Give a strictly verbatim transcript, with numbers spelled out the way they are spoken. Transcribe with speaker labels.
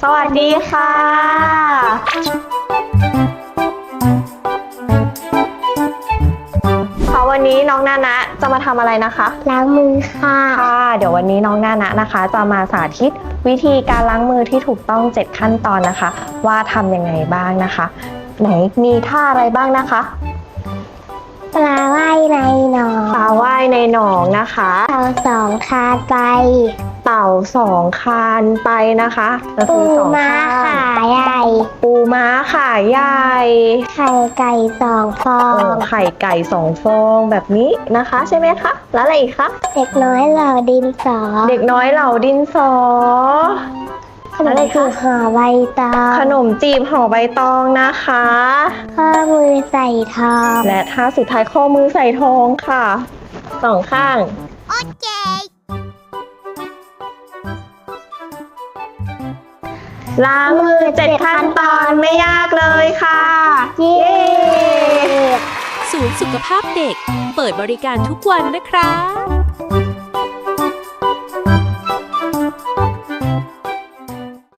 Speaker 1: สวัสดีค่ะค่ะวันนี้น้องนานะจะมาทำอะไรนะคะ
Speaker 2: ล้างมือค่ะ
Speaker 1: ค่ะเดี๋ยววันนี้น้องนานะนะคะจะมาสาธิตวิธีการล้างมือที่ถูกต้องเจ็ดขั้นตอนนะคะว่าทำยังไงบ้างนะคะไหนมีท่าอะไรบ้างนะคะ
Speaker 2: ปลาว่ายในหนอง
Speaker 1: ปลาว่ายในหนองนะคะ
Speaker 2: เต่าสองคานไป
Speaker 1: เต่าสองคานไปนะคะ
Speaker 2: ปูม้าขาใหญ่
Speaker 1: ปูม้าขาใหญ่
Speaker 2: ไข่ไก่สองฟอง
Speaker 1: ไข่ไก่สองฟองแบบนี้นะคะใช่ไหมคะแล้วอะไรอีกคะ
Speaker 2: เด็กน้อยเหล่าดินสอ
Speaker 1: เด็กน้อยเหล่าดินสอ
Speaker 2: ขนมจีบห่อใบตอง
Speaker 1: ขนมจีบห่อใบตองนะคะ
Speaker 2: ข้อมือใส่ทอง
Speaker 1: และท่าสุดท้ายข้อมือใส่ทองค่ะสองข้าง
Speaker 2: โอเค
Speaker 1: ล้างมือเจ็ดขั้นตอนไม่ยากเลยค่ะ
Speaker 2: เย้
Speaker 3: ศูนย์สุขภาพเด็กเปิดบริการทุกวันนะครับ